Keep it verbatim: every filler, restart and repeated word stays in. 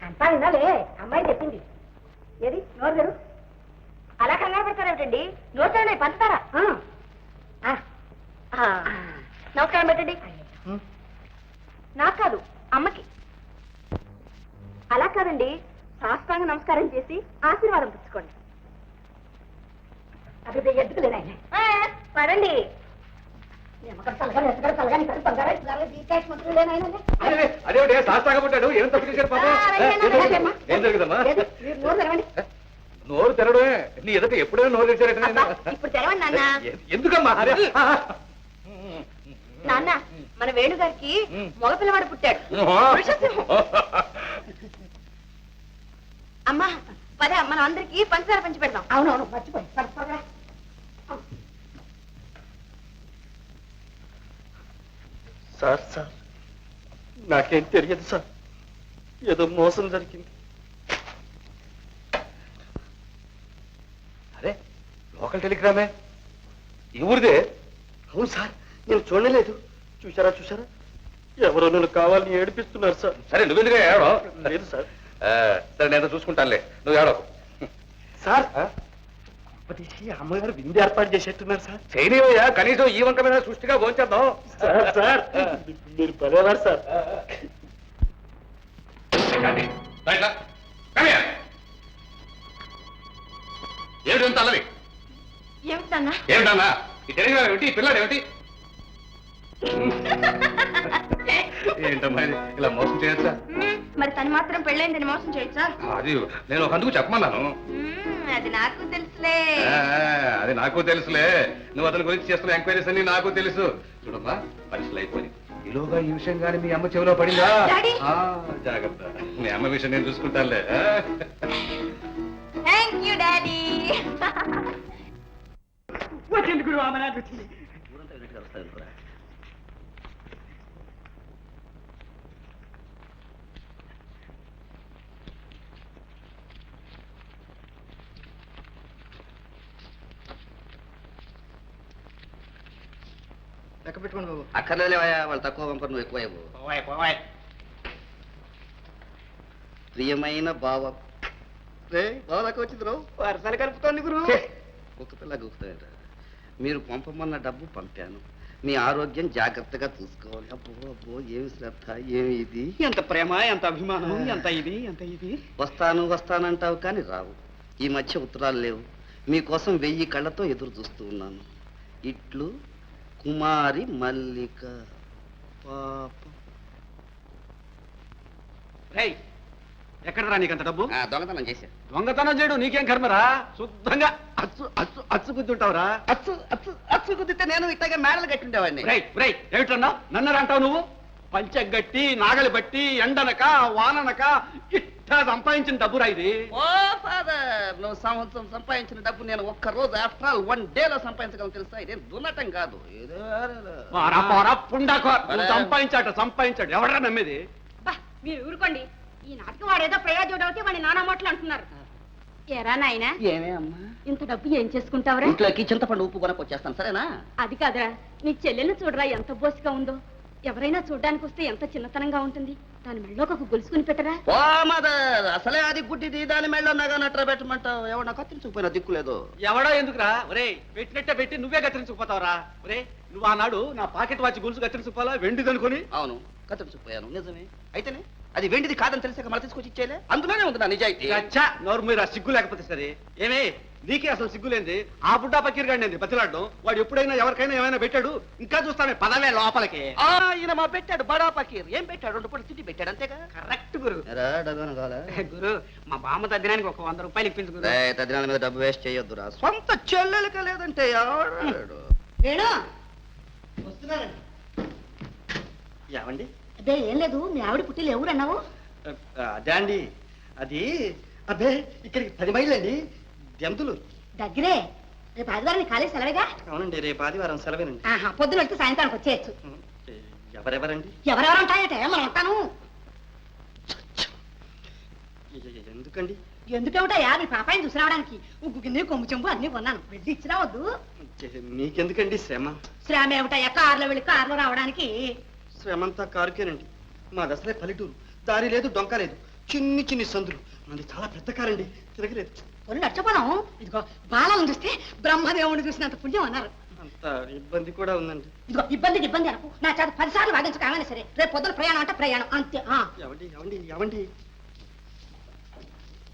అంతా వినాలే, అమ్మాయి చెప్పింది. ఏది నోరు గారు అలా కంగారు పెడతారేమిటండి? నోరు పంచుతారా? నమస్కారం పెట్టండి. నాకు కాదు, అమ్మకి. అలా కాదండి, సాష్టాంగ నమస్కారం చేసి ఆశీర్వాదం పుచ్చుకోండి. అది ఎందుకు లేదా పదండి. అదే సాష్టాంగ పుట్టాడు, ఏం తప్పు చేశాడు పాపం? ఏం జరుగుదమ్మా? నోరు తెరవడమే. నీ ఎదుట ఎప్పుడైనా నోరు తెచ్చారట. ఇప్పుడు తెరవండి నాన్న. ఎందుకమ్మా? నాన్న, మన వేణుగారికి మగపిల్లవాడు పుట్టాడు. అమ్మా పదే, మనం అందరికి పంచదార పంచి పెడదాం. అవునవును, మర్చిపోయి. సార్ సార్ నాకేం తెలియదు సార్, ఏదో మోసం జరిగింది. అరే లోకల్ టెలిగ్రామే, ఈ ఊరిదే. అవును సార్, నేను చూడలేదు. చూసారా చూసారా, ఎవరో నన్ను కావాలని ఏడిపిస్తున్నారు సార్. సరే నువ్వెందుకు ఏడో? లేదు సార్. సరే నేను చూసుకుంటానులే, నువ్వు ఏడో. సార్ అమ్మగారు విందు ఏర్పాటు చేసేట్టున్నారు సార్. చేయనివయ్యా, కనీసం ఈ వంక మీద సృష్టిగా భోంచేద్దాం. సార్ మీరు పర్వాలేదు సార్. ఏమిటి అల్లరి? ఏమిటన్నా? ఏమిటన్నా ఈ టెలిగ్రామ్ ఏమిటి? ఈ పిల్లాడు ఏమిటి? ఏంటమ్మా ఇలా మోసం చేయొచ్చా? మరి తను మాత్రం పెళ్ళైందని మోసం చేయొచ్చా? అది నేను ఒక అందుకు చెప్పమన్నాను. అది నాకు తెలుసులే. అది నాకు తెలుసులే. నువ్వు అతని గురించి చేస్తున్న ఎంక్వైరీస్ అన్ని నాకు తెలుసు. చూడమ్మా, పరీక్షలు అయిపోయి ఈలోగా ఈ విషయం కానీ మీ అమ్మ చెవిలో పడిందా? జాగ్రత్త, మీ అమ్మ విషయం నేను చూసుకుంటానులే. Thank you daddy. వచ్చింది గురువు, ఆమె నాకు వచ్చింది. లెక్క పెట్టుకోండి బాబు. అక్కర్లేవయ్యా, వాళ్ళు తక్కువ పంపరు, నువ్వు ఎక్కువ ఇవ్వు. పోవాయి పోవాయి. ప్రియమైన బావ, రే బావ దాకా వచ్చింది రావు. వరుసలు కలుపుతోంది గురువు. కుక్క పిల్ల గుర్తుంట. మీరు పంపమన్న డబ్బు పంపాను. మీ ఆరోగ్యం జాగ్రత్తగా చూసుకోవాలి. అబ్బో అబ్బో, ఏమి శ్రద్ధ, ఏమి ఇది. ఎంత ప్రేమ, ఎంత అభిమానం, ఎంత ఇది ఎంత ఇది. వస్తాను వస్తానంటావు కానీ రావు. ఈ మధ్య ఉత్తరాలు లేవు. మీకోసం వెయ్యి కళ్ళతో ఎదురు చూస్తూ ఉన్నాను. ఇట్లు కుమారి మల్లిక. పాప. రై, ఎక్కడరా నీకంత డబ్బు? దొంగతనం చేశా. దొంగతనం చేయడం నీకేం కర్మరా? శుద్ధంగా అచ్చు అచ్చు అచ్చు గుద్దుంటావురా. అచ్చు అచ్చు అచ్చు కుదిరితే నేను ఇట్లాగే మేడలు కట్టిండేవాడిని. రై రై, ఏమిటన్నా నన్నరా అంటావు నువ్వు? పంచగట్టి నాగలి బట్టి ఎండనక వాననక ఇట్టా సంపాదించిన డబ్బురా ఇది. ఓ ఫాదర్, నువ్వు సంవత్సరం సంపాదించిన డబ్బు నేను ఒక్క రోజు ఆఫ్టర్ ఆల్ వన్ డే లో సంపాదించగలను తెలుసా? ఇదేం దున్నటం కాదు. సంపాదించాట సంపాదించాడు, ఎవడరా నమ్మేది? మీరు ఊరుకోండి. ఈ నాటకం వాడేదో ప్రయోజనం అవుతే వాడి నానా మాటలు అంటున్నారు. ఎరా నాయనా, ఏమే అమ్మా, ఇంత డబ్బు ఏం చేసుకుంటావురా? ఇంట్లోకి చింతపండు ఉప్పు కొనకొచ్చేస్తాను, సరేనా? అది కాదురా, నీ చెల్లెల్ని చూడరా ఎంత బోసిగా ఉందో. ఎవరైనా చూడ్డానికి వస్తే ఎంత చిన్నతనంగా ఉంటుంది. దాని మెళ్ళలోకి ఒక గొలుసుకుని పెట్టరా. ఓ మదర్, అసలే అది గుడ్డిది, దాని మెళ్ళ నగా నట్ర పెట్టమంటావు. ఎవడన్నా కత్తిరించుకుపోయినా దిక్కులేదు. ఎవడో ఎందుకురా? ఒరే, పెట్టినట్టే పెట్టి నువ్వే కత్తిరించుకుపోతావురా. ఒరే, నువ్వు ఆనాడు నా పాకెట్ వాచ్ గొలుసు కత్తిరించుకోవాలా, వెండిదనుకుని. అవును, కత్తిరించుకుపోయాను, నిజమే. అయితేనే అది వెండిది కాదని తెలిసాక మళ్ళీ తీసుకొచ్చి ఇచ్చేలే. అందులోనే ఉంది నా నిజాయితీ. అచ్చా, నోరు మీరు ఆ సిగ్గు లేకపోతే సరే. ఏమే, నీకే అసలు సిగ్గులేంది. ఆ బుడ్డా పకీర్ గాడి బతిలాడడం. వాడు ఎప్పుడైనా ఎవరికైనా ఏమైనా పెట్టాడు? ఇంకా చూస్తామే, పదవే లోపలికి. ఈయన మా పెట్టాడు బడా పకీర్. ఏం పెట్టాడు? రెండు పూట తిండి పెట్టాడు, అంతేగా? కరెక్ట్ గురు. గురు, మా బామ్మ తద్దినానికి ఒక వంద రూపాయలు ఇప్పించు గురు. తద్దినాల మీద డబ్బు వేస్ట్ చేయొద్దురా. సొంత చెల్లెలక లేదంటే ఏమండి? అదే ఏం లేదు, మీ ఆవిడ పుట్టిలు ఎవరన్నావు? అదే అండి, అది అదే ఇక్కడికి పది మైళ్ళండి, దెంతులు దగ్గరే. రేపు ఆదివారం ఖాళీ సెలవేగా? అవునండి, రేపు ఆదివారం సెలవేనండి. పొద్దున వెళ్తే సాయంత్రానికి వచ్చేయచ్చు. ఎవరెవరండి? ఎవరెవరు ఉంటాయటే మనం ఉంటాను. ఎందుకండి? ఎందుకేమిటయా, నీ పాపాయిని చూసి రావడానికి ఉగ్గు గిన్నె కొమ్ము చెంబు అన్ని కొన్నాను. వెళ్ళి ఇచ్చి రావద్దు. మీకెందుకండి శ్రమ? శ్రమ ఏమిటయ్యా, కారులో వెళ్ళి కారులో రావడానికి. శ్రమంతా కారుకేనండి. మా దసరే పల్లెటూరు, దారి లేదు, డొంక లేదు. చిన్ని చిన్ని సందులు అది చాలా పెద్ద కారండి తిరగలేదు. ఒళ్ళు నచ్చపోదాం. ఇదిగో బాలను చూస్తే బ్రహ్మదేవుని చూసినంత పుణ్యం అన్నారు. అంత ఇబ్బంది కూడా ఉందండి. ఇదిగో ఇబ్బందికి ఇబ్బంది అనకు. నా చేత పదిసార్లు వాదించు కాగానే సరే రేపు పొద్దున ప్రయాణం అంటే ప్రయాణం అంతే. ఆ ఎవండి ఎవండి ఎవండి